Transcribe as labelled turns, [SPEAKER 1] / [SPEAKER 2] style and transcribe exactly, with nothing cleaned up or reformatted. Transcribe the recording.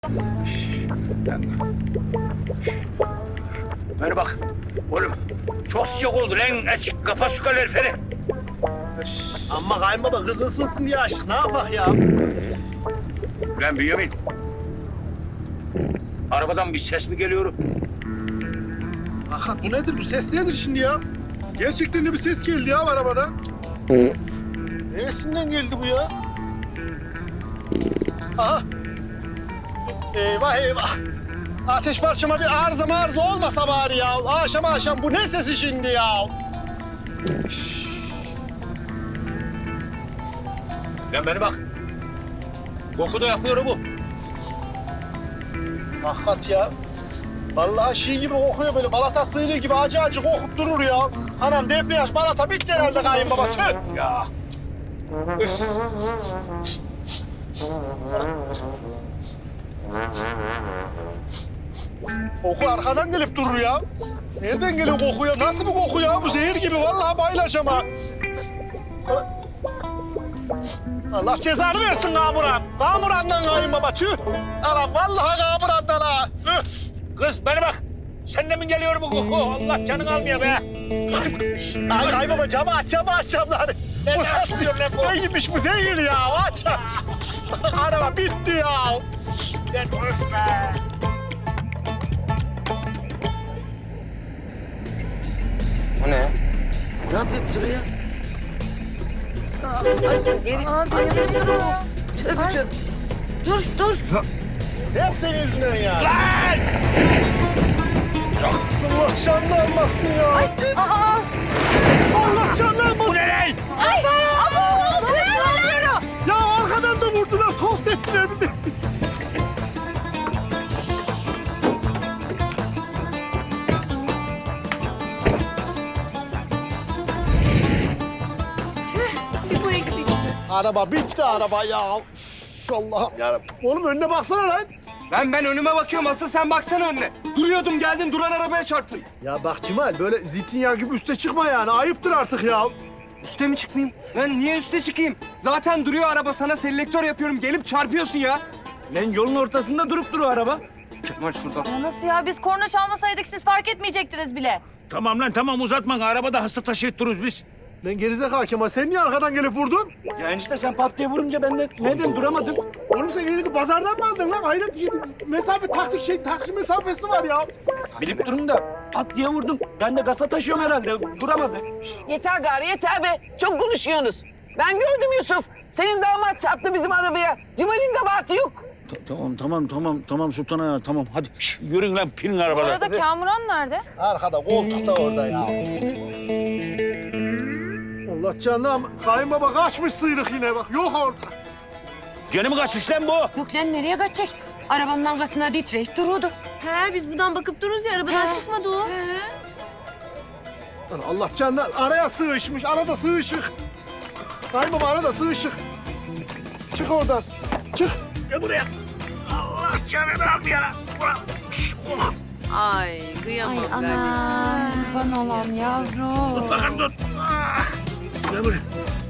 [SPEAKER 1] Bana bak oğlum, çok sıcak oldu lan. Aç, kapat şu kaloriferi.
[SPEAKER 2] Amma kayınbaba kız ısınsın diye açtık. Ne yapak ya?
[SPEAKER 1] Lan Bünyamin. Arabadan bir ses mi geliyor?
[SPEAKER 2] Hakikat bu nedir? Bu ses nedir şimdi ya? Gerçekten de bir ses geldi ya arabadan. Neresinden geldi bu ya? Aha. Eyvah eyvah. Ateş parçama bir arıza marıza olmasa bari ya. Akşam akşam bu ne sesi şimdi ya?
[SPEAKER 1] Lan bana bak. Koku da yapıyor bu.
[SPEAKER 2] Hakikat ya. Vallahi şey gibi kokuyor böyle. Balata sığırı gibi acı acı kokup durur ya. Anam debriyaj balata bitti herhalde kayınbaba. Tüh.
[SPEAKER 1] Ya. Üf.
[SPEAKER 2] Koku arkadan gelip durur ya. Nereden geliyor koku ya? Nasıl bir koku ya? Bu zehir gibi. Vallahi bayılacağım ha. Allah cezanı versin Kamuran. Kamuran'dan kayınbaba. Tüh. Anam vallahi Kamuran'dan ha. Üf.
[SPEAKER 1] Kız bana bak. Senden mi geliyor bu koku? Allah canını almıyor be.
[SPEAKER 2] Ay kayınbaba camı aç, camı aç camları.
[SPEAKER 1] Ne
[SPEAKER 2] Bu
[SPEAKER 1] yapıyorsun lan bu?
[SPEAKER 2] neymiş bu zehir ya? Aç aç. Araba bitti ya.
[SPEAKER 1] Lan öf be.
[SPEAKER 3] O ne?
[SPEAKER 4] Ne yapıp duruyor? Aa, ay, geri, ay, geri dur. Tövbe tövbe. Dur, dur.
[SPEAKER 2] Hep senin yüzünden ya.
[SPEAKER 1] Lan!
[SPEAKER 2] Allah canını almasın ya.
[SPEAKER 4] Aa,
[SPEAKER 2] Allah canını almasın.
[SPEAKER 1] Bu ne lan?
[SPEAKER 4] ay, abo, bu ne oluyor?
[SPEAKER 2] Ya arkadan da vurdular, tost ettiler bizi.
[SPEAKER 4] Bir bu eksikti.
[SPEAKER 2] Araba bitti araba ya. Üf, Allah'ım yarabbim. Oğlum önüne baksana lan.
[SPEAKER 3] Ben ben önüme bakıyorum. Asıl sen baksana önüne. Duruyordum geldin duran arabaya çarptın.
[SPEAKER 2] Ya bak Cemal böyle zeytinyağı gibi üste çıkma yani. Ayıptır artık ya.
[SPEAKER 3] Üste mi çıkmayayım? Ben niye üste çıkayım? Zaten duruyor araba sana selektör yapıyorum. Gelip çarpıyorsun ya.
[SPEAKER 5] Lan yolun ortasında durup duruyor araba.
[SPEAKER 3] Kemal şuradan.
[SPEAKER 6] Ya nasıl ya? Biz korna çalmasaydık siz fark etmeyecektiniz bile.
[SPEAKER 1] Tamam lan tamam, uzatma. Arabada hasta taşıyıp dururuz biz.
[SPEAKER 2] Lan gerizekalı Kemal sen niye arkadan gelip vurdun?
[SPEAKER 5] Ya enişte sen pat diye vurunca ben de neden duramadım?
[SPEAKER 2] Oğlum sen elini pazardan mı aldın lan? Hayret bir şey. Mesafe taktik şey taktik mesafesi var ya.
[SPEAKER 5] Bilip durun da pat diye vurdum. Ben de gasa taşıyorum herhalde. Duramadı.
[SPEAKER 7] Yeter gari yeter be. Çok konuşuyorsunuz. Ben gördüm Yusuf. Senin damat çarptı bizim arabaya. Cemal'in kabahati yok.
[SPEAKER 1] Tamam tamam tamam tamam Sultan Ağa, tamam hadi şş, yürüyün lan, pinin
[SPEAKER 6] Bu
[SPEAKER 1] arabaları.
[SPEAKER 6] arada Kamuran nerede?
[SPEAKER 2] Arkada koltukta orada ya. Allah canım. Kayınbaba kaçmış sıyrık yine bak. Yok orada.
[SPEAKER 1] Gene mi kaçmış lan bu?
[SPEAKER 4] Yok lan nereye kaçacak? Arabanın arkasına titreyip duruyordu.
[SPEAKER 6] He biz buradan bakıp dururuz ya arabadan çıkmadı o.
[SPEAKER 2] Lan Allah canına araya sığışmış. Arada sığışık. Kayınbaba arada sığışık. Çık oradan. Çık.
[SPEAKER 1] Gel buraya. Allah canını almıyor lan. Ulan, şş, oh.
[SPEAKER 4] Ay kıyamam kardeşim.
[SPEAKER 6] Bana olan yavrum.
[SPEAKER 1] Tut bakalım tut. Ah. Gel buraya.